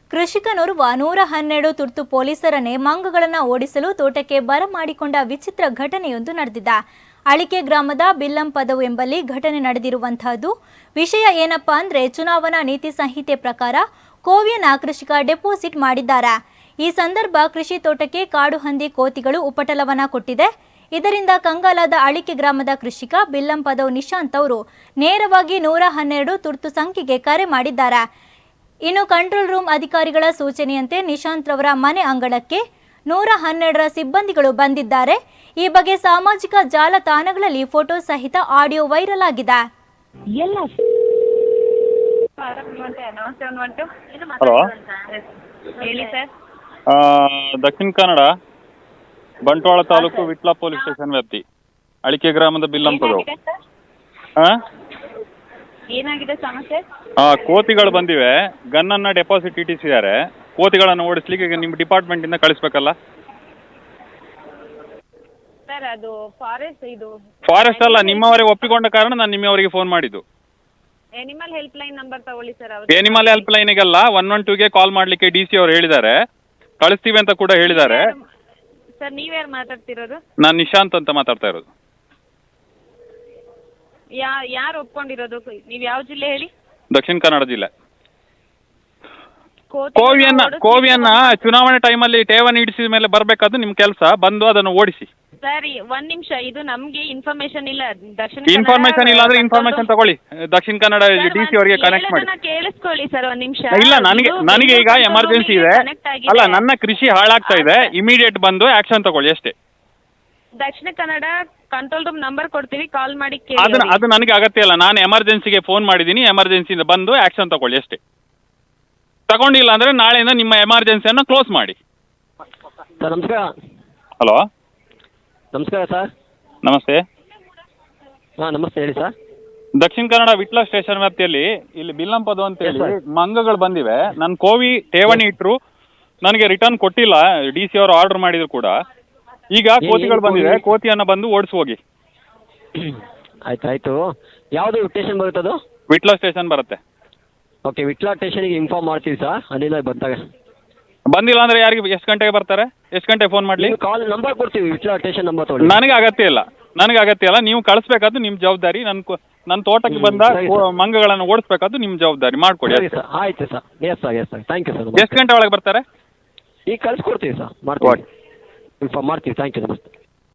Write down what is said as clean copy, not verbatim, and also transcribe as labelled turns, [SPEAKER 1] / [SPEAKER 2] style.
[SPEAKER 1] ಕೃಷಿಕನೋರ್ವ 112 ತುರ್ತು ಪೊಲೀಸರನ್ನೇ ಮಂಗಗಳನ್ನು ಓಡಿಸಲು ತೋಟಕ್ಕೆ ಬರಮಾಡಿಕೊಂಡ ವಿಚಿತ್ರ ಘಟನೆಯೊಂದು ನಡೆದಿದೆ. ಅಳಿಕೆ ಗ್ರಾಮದ ಬಿಲ್ಲಂಪದವು ಎಂಬಲ್ಲಿ ಘಟನೆ ನಡೆದಿರುವಂತಹದ್ದು. ವಿಷಯ ಏನಪ್ಪಾ ಅಂದ್ರೆ ಚುನಾವಣಾ ನೀತಿ ಸಂಹಿತೆ ಪ್ರಕಾರ ಕೋವಿಯನ್ನ ಕೃಷಿಕ ಡೆಪಾಸಿಟ್ ಮಾಡಿದ್ದಾರೆ. ಈ ಸಂದರ್ಭ ಕೃಷಿ ತೋಟಕ್ಕೆ ಕಾಡು ಹಂದಿ ಕೋತಿಗಳು ಉಪಟಳವನ್ನ ಕೊಟ್ಟಿದೆ. ಇದರಿಂದ ಕಂಗಾಲಾದ ಅಳಿಕೆ ಗ್ರಾಮದ ಕೃಷಿಕ ಬಿಲ್ಲಂಪದವು ನಿಶಾಂತ್ ಅವರು ನೇರವಾಗಿ 112 ತುರ್ತು ಸಂಖ್ಯೆಗೆ ಕರೆ ಮಾಡಿದ್ದಾರೆ. ಇನ್ನು ಕಂಟ್ರೋಲ್ ರೂಮ್ ಅಧಿಕಾರಿಗಳ ಸೂಚನೆಯಂತೆ ನಿಶಾಂತ್ ರವರ ಮನೆ ಅಂಗಳಕ್ಕೆ 112ರ ಸಿಬ್ಬಂದಿಗಳು ಬಂದಿದ್ದಾರೆ. ಈ ಬಗ್ಗೆ ಸಾಮಾಜಿಕ ಜಾಲತಾಣಗಳಲ್ಲಿ ಫೋಟೋ ಸಹಿತ ಆಡಿಯೋ ವೈರಲ್ ಆಗಿದೆ.
[SPEAKER 2] ಹಲೋ,
[SPEAKER 3] ಹೇಳಿ sir.
[SPEAKER 2] Dakshina Kannada Bantwal taluk Vitla police station ವ್ಯಾಪ್ತಿ ಅಳಿಕೆ ಗ್ರಾಮದ ಬಿಲ್ಲಂಪದವು.
[SPEAKER 3] ಏನಾಗಿದೆ ಸಮಸ್ಯೆ?
[SPEAKER 2] ಕೋತಿಗಳು ಬಂದಿವೆ, ಗನ್ನನ್ನು ಡೆಪಾಸಿಟ್ ಇಟ್ಟಿಸಿದ್ದಾರೆ. ಕೋತಿಗಳನ್ನು ಓಡಿಸ್ಲಿಕ್ಕೆ ಈಗ ನಿಮ್ಮ ಡಿಪಾರ್ಟ್ಮೆಂಟಿಂದ ಕಳಿಸ್ಬೇಕಲ್ಲ
[SPEAKER 3] ಸರ್. ಅದು
[SPEAKER 2] ಫಾರೆಸ್ಟ್ ಅಲ್ಲ, ನಿಮ್ಮವರೇ ಒಪ್ಪಿಕೊಂಡ ಕಾರಣ ನಾನು ನಿಮ್ಮವರಿಗೆ ಫೋನ್ ಮಾಡಿದ್ದು.
[SPEAKER 3] ಎನಿಮಲ್ ಹೆಲ್ಪ್ ಲೈನ್ ನಂಬರ್ ತಗೊಳ್ಳಿ ಸರ್.
[SPEAKER 2] ಎನಿಮಲ್ ಹೆಲ್ಪ್ ಲೈನಿಗೆಲ್ಲ 112ಗೆ ಕಾಲ್ ಮಾಡಲಿಕ್ಕೆ DC ಅವರು ಹೇಳಿದ್ದಾರೆ, ಕಳಿಸ್ತೀವಿ ಅಂತ ಕೂಡ ಹೇಳಿದ್ದಾರೆ.
[SPEAKER 3] ಸರ್ ನೀವ್ಯಾರು ಮಾತಾಡ್ತಿರೋದು?
[SPEAKER 2] ನಾನು ನಿಶಾಂತ್ ಅಂತ ಮಾತಾಡ್ತಾ ಇರೋದು.
[SPEAKER 3] ಯಾರು ಒಪ್ಕೊಂಡಿರೋದು? ನೀವು ಯಾವ ಜಿಲ್ಲೆ ಹೇಳಿ?
[SPEAKER 2] ದಕ್ಷಿಣ ಕನ್ನಡ ಜಿಲ್ಲೆ. ಕೋವಿಯನ್ನ ಚುನಾವಣೆ ಟೈಮಲ್ಲಿ ಠೇವಣಿ ಇಡಿಸಿದ ಮೇಲೆ ಬರಬೇಕಾದ್ದು ನಿಮ್ಮ ಕೆಲಸ, ಬಂದು ಅದನ್ನು ಓಡಿಸಿ.
[SPEAKER 3] ಸರಿ, ಒಂದ್ ನಿಮಿಷ. ಇದು ನಮ್ಗೆ ಇನ್ಫಾರ್ಮೇಶನ್ ಇಲ್ಲ.
[SPEAKER 2] ಇನ್ಫಾರ್ಮೇಶನ್ ಇಲ್ಲ ಅಂದ್ರೆ ಇನ್ಫಾರ್ಮೇಶನ್ ತಗೊಳ್ಳಿ, ದಕ್ಷಿಣ ಕನ್ನಡ DC ಅವರಿಗೆ ಕನೆಕ್ಟ್ ಮಾಡಿ.
[SPEAKER 3] ಕೇಳಿಸ್ಕೊಳ್ಳಿ ಸರ್ ಒಂದ್ ನಿಮಿಷ.
[SPEAKER 2] ಇಲ್ಲ, ನನಗೆ ಈಗ ಎಮರ್ಜೆನ್ಸಿ ಇದೆ. ಅಲ್ಲ, ನನ್ನ ಕೃಷಿ ಹಾಳಾಗ್ತಾ ಇದೆ, ಇಮಿಡಿಯೇಟ್ ಬಂದು ಆಕ್ಷನ್ ತಗೊಳ್ಳಿ ಅಷ್ಟೇ.
[SPEAKER 3] ದಕ್ಷಿಣ ಕನ್ನಡ ಕಂಟ್ರೋಲ್ ರೂಮ್ ನಂಬರ್ ಕೊಡ್ತೀವಿ, ಕಾಲ್ ಮಾಡಿ
[SPEAKER 2] ಅದು ನನಗೆ ಅಗತ್ಯ ಇಲ್ಲ. ನಾನು ಎಮರ್ಜೆನ್ಸಿಗೆ ಫೋನ್ ಮಾಡಿದ್ದೀನಿ, ಎಮರ್ಜೆನ್ಸಿಯಿಂದ ಬಂದು ಆಕ್ಷನ್ ತಗೊಳ್ಳಿ ಅಷ್ಟೇ. ತಗೊಂಡಿಲ್ಲ ಅಂದ್ರೆ ನಾಳೆಯಿಂದ ನಿಮ್ಮ ಎಮರ್ಜೆನ್ಸಿಯನ್ನು ಕ್ಲೋಸ್ ಮಾಡಿ.
[SPEAKER 4] ಸರ್ ನಮಸ್ಕಾರ.
[SPEAKER 2] ಹಲೋ,
[SPEAKER 4] ನಮಸ್ಕಾರ ಸರ್.
[SPEAKER 2] ನಮಸ್ತೆ.
[SPEAKER 4] ನಮಸ್ತೆ, ಹೇಳಿ ಸರ್.
[SPEAKER 2] ದಕ್ಷಿಣ ಕನ್ನಡ ವಿಟ್ಲ ಸ್ಟೇಷನ್ ವ್ಯಾಪ್ತಿಯಲ್ಲಿ ಇಲ್ಲಿ ಬಿಲ್ಲಂಪದು ಅಂತ ಹೇಳಿ ಮಂಗಗಳು ಬಂದಿವೆ. ನನ್ನ ಕೋವಿ ಠೇವಣಿ ಇಟ್ಟರು, ನನಗೆ ರಿಟರ್ನ್ ಕೊಟ್ಟಿಲ್ಲ. DC ಅವರು ಆರ್ಡರ್ ಮಾಡಿದ್ರು ಕೂಡ. ಈಗ ಕೋತಿಗಳು ಬಂದಿವೆ, ಕೋತಿಯನ್ನು ಬಂದು ಓಡಿಸಿ ಹೋಗಿ.
[SPEAKER 4] ಆಯ್ತು. ಯಾವುದು ಸ್ಟೇಷನ್ ಬರುತ್ತೆ? ಅದು
[SPEAKER 2] ವಿಟ್ಲ ಸ್ಟೇಷನ್ ಬರುತ್ತೆ.
[SPEAKER 4] ಓಕೆ, ವಿಟ್ಲ ಸ್ಟೇಷನ್ಗೆ ಇನ್ಫಾರ್ಮ್ ಮಾಡ್ತೀವಿ ಸರ್. ಅಲ್ಲಿಂದ ಬಂದಾಗ
[SPEAKER 2] ಬಂದಿಲ್ಲ ಅಂದ್ರೆ ಯಾರಿಗೆ ಎಷ್ಟು ಗಂಟೆಗೆ ಬರ್ತಾರೆ? ಎಷ್ಟು ಗಂಟೆಗೆ ಫೋನ್ ಮಾಡಲಿ?
[SPEAKER 4] ಕಾಲ್ ನಂಬರ್ ಕೊಡ್ತೀವಿ, ವಿಟ್ಲ ಸ್ಟೇಷನ್ ನಂಬರ್ ತಗೊಳ್ಳಿ.
[SPEAKER 2] ನನಗೆ ಅಗತ್ಯ ಇಲ್ಲ. ನೀವು ಕಳಿಸ್ಬೇಕಾದ್ದು ನಿಮ್ಮ ಜವಾಬ್ದಾರಿ. ನನ್ನ ತೋಟಕ್ಕೆ ಬಂದ ಮಂಗಗಳನ್ನು ಓಡಿಸ್ಬೇಕಾದ್ದು ನಿಮ್ಮ ಜವಾಬ್ದಾರಿ. ಮಾಡ್ಕೊಡಿ.
[SPEAKER 4] ಸರಿ ಸರ್, ಆಯ್ತು sir. Yes sir, thank you sir.
[SPEAKER 2] ಎಷ್ಟು ಗಂಟೆ ಒಳಗೆ ಬರ್ತಾರೆ?
[SPEAKER 4] ಈಗ ಕಳಿಸ್ಕೊಡ್ತೀವಿ ಸರ್, ಮಾಡ್ತೀವಿ, ಇನ್ಫಾರ್ಮ್ ಮಾಡ್ತೀವಿ. ಥ್ಯಾಂಕ್ ಯು, ನಮಸ್ತೆ.